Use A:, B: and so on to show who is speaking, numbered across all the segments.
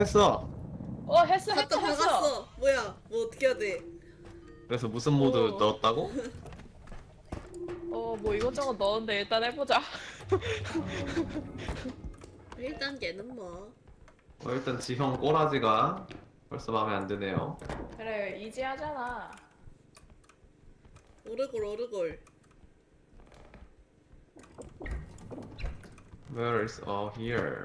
A: 했어.
B: 했어
C: 갔다
B: 했어 했어.
C: 박았어. 뭐야? 뭐 어떻게 해야 돼?
A: 그래서 무슨 모드
B: 어.
A: 넣었다고?
B: 뭐 이것저것 넣었는데 일단 해보자.
C: 1단계는 뭐.
A: 일단 지형 꼬라지가 벌써 마음에 안 드네요.
B: 그래 이지하잖아.
C: 오르골 오르골.
A: Where is here?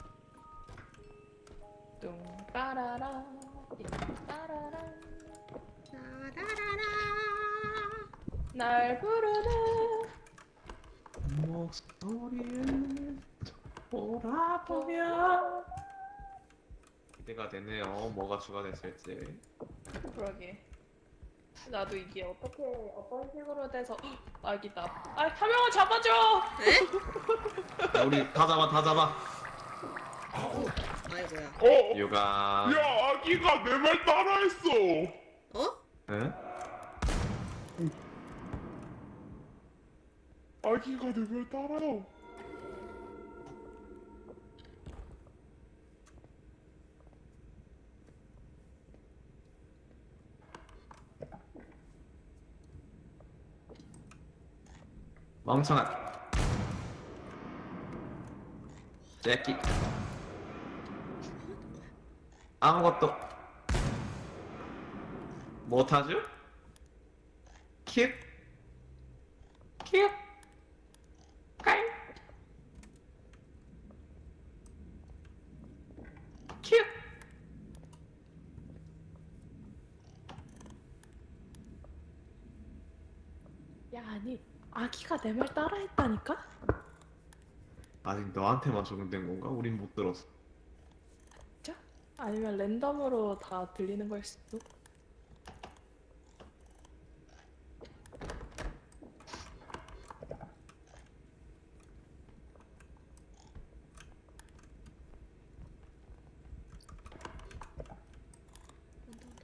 B: 뚱따라라 띵따라라
C: 라라라라.
B: 날 부르는
A: 목소리를 돌아보면 기대가 되네요. 뭐가 추가됐을지.
B: 그러게. 나도 이게 어떻게 어떤 식으로 돼서 아기다. 한 명을 잡아줘.
C: 에?
A: 야, 우리 다 잡아, 다 잡아.
C: 아이고야.
A: 유가.
D: 야, 아기가 내 말 따라했어.
C: 어?
A: 응?
D: 아기가 내 말 따라요.
A: 멍청한. 제끼. 아무것도 못하죠? 킵. 킵. 까이. 킵.
B: 야 아니 아기가 내 말 따라했다니까?
A: 아직 너한테만 적용된 건가? 우린 못 들었어.
B: 진짜? 아니면 랜덤으로 다 들리는 걸 수도?
C: 온다 온다.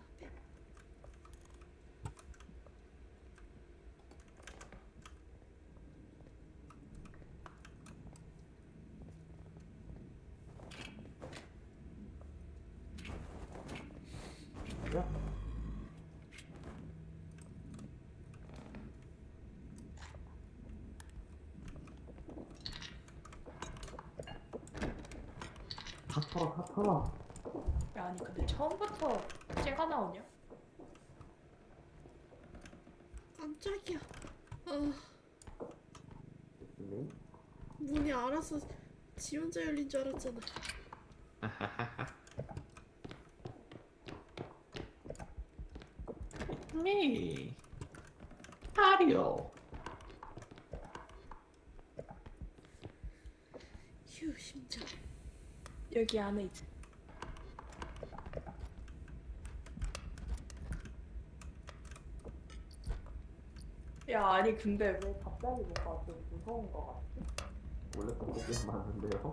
A: 다 털어, 다 털어.
B: 야 아니 근데 처음부터 쟤가 나오냐?
C: 깜짝이야. 문이 알아서 지 혼자 열린 줄 알았잖아.
A: 미. 마리오.
C: 휴 심장.
B: 여기 안에 있지. 야 아니 근데 왜 갑자기 뭔가 좀 무서운 거 같지?
A: 원래 그렇게 많은데요?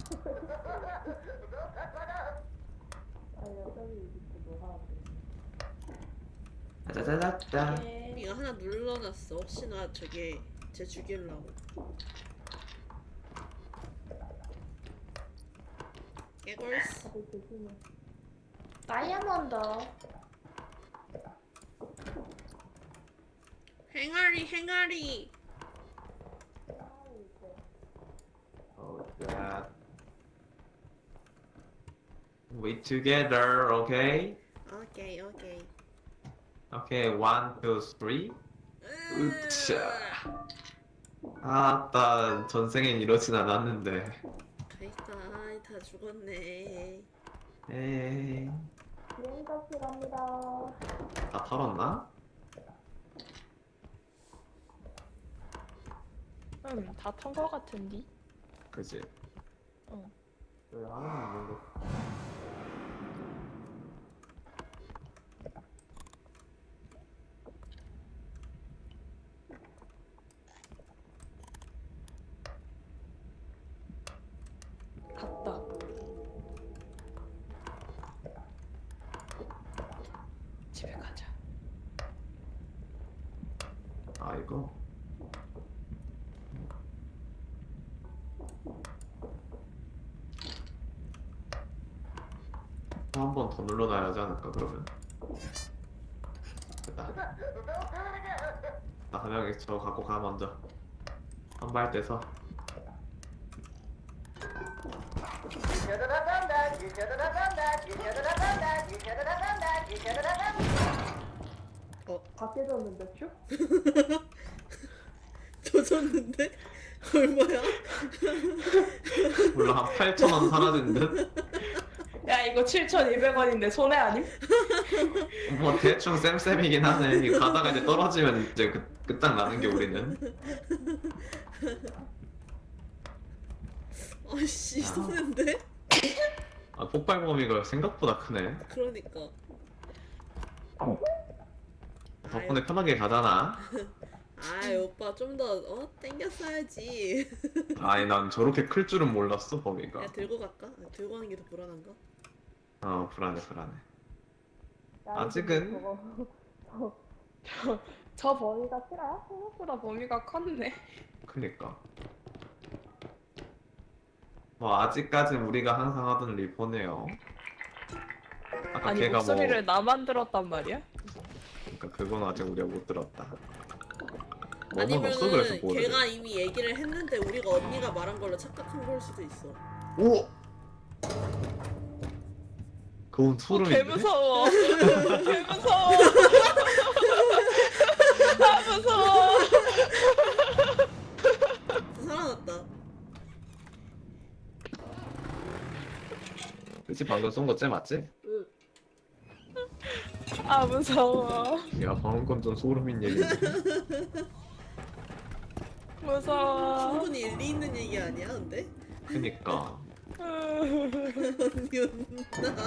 B: 아니 여기 이렇게 놀아는데.
A: 짜자자자.
C: 이거 하나 눌러놨어. 혹시나 저게 쟤 죽이려고. 개걸스.
B: 다들 조심해. 다이아몬드.
C: 행아리 행아리.
A: Oh, God. We together, okay?
C: 오케이 오케이.
A: Okay, one, two, three. 으쌰. 아따, 전생엔 이러진 않았는데.
C: 가있다. 다 죽었네.
A: 에이,
B: 비행값이 갑니다.
A: 다 털었나?
B: 다 턴 거 같은디?
A: 그지?
B: 응.
A: 여기 하나는 있는 거.
B: 갔다. 집에 가자.
A: 아이고. 한 번 더 눌러놔야 하지 않을까 그러면. 됐다. 나 한명이 저 갖고 가 먼저. 한발 떼서.
B: 다 깨졌는데 큐?
C: 젖었는데? 얼마야?
A: 몰라 한 8,000원 사라진 듯?
B: 야 이거 7,200원인데 손해 아님?
A: 뭐 대충 쌤쌤이긴 하네. 이거 가다가 이제 떨어지면 이제 끝장나는 게 우리는.
C: 아씨 손인데?
A: 아 폭발 범위가 생각보다 크네.
C: 그러니까.
A: 덕분에 편하게 가잖아.
C: 아이 오빠 좀 더 땡겼어야지.
A: 아니 난 저렇게 클 줄은 몰랐어 범위가.
C: 야 들고 갈까? 아, 들고 가는 게 더 불안한가?
A: 어 불안해 불안해.
B: 야,
A: 아직은?
B: 저 범위가 싫어요? 생각보다 범위가 컸네.
A: 그니까. 뭐 아직까진 우리가 항상 하던 리포네요. 아까
B: 아니
A: 걔가
B: 목소리를
A: 뭐
B: 나만 들었단 말이야?
A: 그러니까 그건 아직 우리가 못 들었다. 뭐는
C: 아니면은
A: 없어 그래서 뭐
C: 걔가 이미 얘기를 했는데 우리가 언니가 말한 걸로 착각한 걸 수도 있어.
A: 오! 그건 소름인데?
B: 개 무서워. 개 무서워. 아 무서워.
C: 살아났다.
A: 그치 방금 쏜 거 쟤 맞지?
C: 응.
B: 아 무서워.
A: 야 방금 건 좀 소름인 얘기인데.
B: 무서워.
C: 충분히 일리 있는 얘기 아니야, 근데?
A: 그니까.
C: 언니 온다.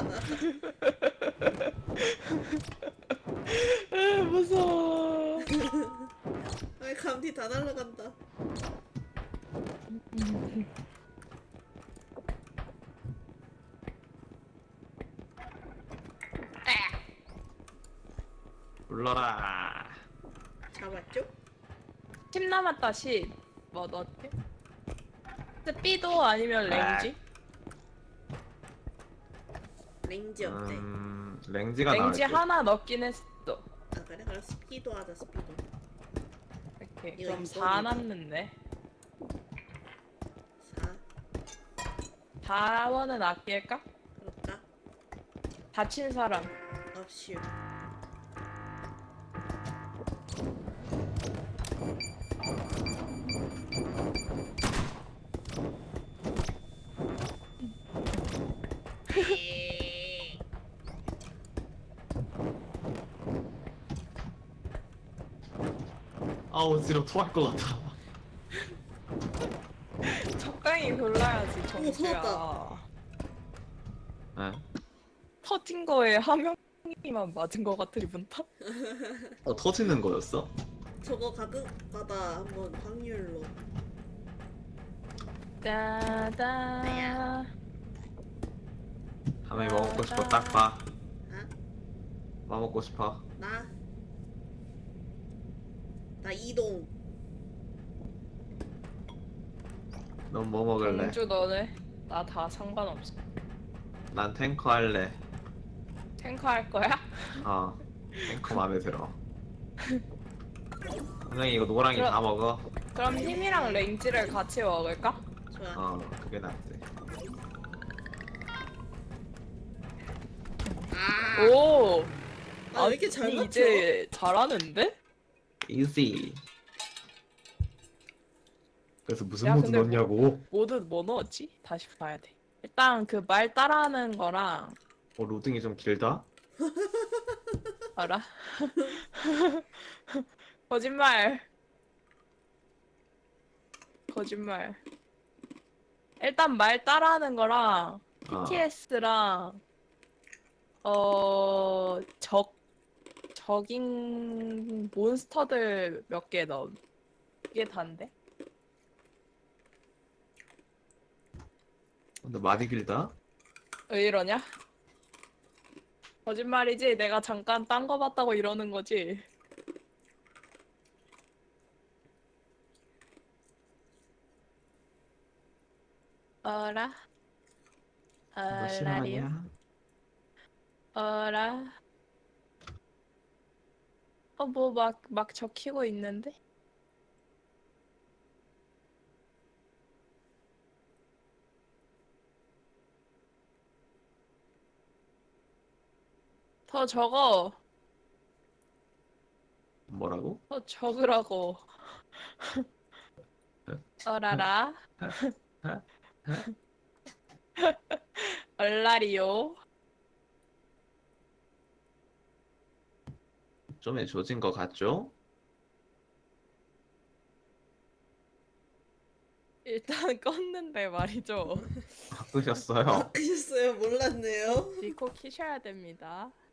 B: 무서워.
C: 아이 감기 다 날라간다.
A: 불러라.
C: 잡았죠?
B: 10 남았다 10. 뭐 넣었지? 스피도 아니면 랭지?
C: 랭지 어때?
A: 랭지가
B: 랭지
A: 나을 듯.
B: 하나 넣긴 했어.
C: 아 그래? 그럼 스피도 하자 스피도.
B: 이렇게
C: 이거
B: 그럼
C: 이거
B: 4
C: 이거.
B: 남는데
C: 4
B: 4원은 아낄까?
C: 그럴까?
B: 다친 사람.
C: 없슈.
A: 아 어지러 토할 것 같아.
B: 적당히 골라야지 정수야.
C: 터졌다.
A: 네.
B: 터진 거에 한 명이만 맞은 거 같아 기분 탓?
A: 터지는 거였어?
C: 저거 가끔가다 한번 확률로.
B: 따다.
A: 하면이 뭐 먹고 싶어 딱 봐.
C: 아?
A: 뭐 먹고 싶어?
C: 나 이동.
A: 넌 뭐 먹을래?
B: 공주 너네? 나 다 상관없어.
A: 난 탱커 할래.
B: 탱커 할 거야?
A: 어 탱커 마음에 들어. 선생님 이거 노랑이
B: 그럼-
A: 다 먹어.
B: 그럼 힘이랑 랭지를 같이 먹을까?
C: 좋아.
A: 어 그게 낫지.
C: 아,
B: 오!
C: 왜 이렇게 잘
B: 아니,
C: 맞춰?
B: 이제 잘하는데?
A: easy. 그래서 무슨
B: 야,
A: 모드
B: 근데
A: 넣냐고?
B: 모드 뭐 넣었지? 다시 봐야 돼. 일단 그 말 따라하는 거랑
A: 로딩이 좀 길다?
B: 알아? 거짓말. 거짓말. 일단 말 따라하는 거랑
A: 아.
B: PTS랑 적인 몬스터들 몇 개 넣음. 이게 단데?
A: 근데 많이 길다?
B: 왜 이러냐? 거짓말이지? 내가 잠깐 딴 거 봤다고 이러는 거지? 어라?
A: 너
B: 얼라리요?
A: 실화냐?
B: 어라. 뭐 막 적히고 있는데? 더 적어.
A: 뭐라고?
B: 더 적으라고. 어라라. 얼라리요.
A: 좀 조진 것 같죠?
B: 일단 껐는데 말이죠.
A: 바꾸셨어요.
C: 바꾸셨어요? 몰랐네요.
B: 디코 키셔야 됩니다.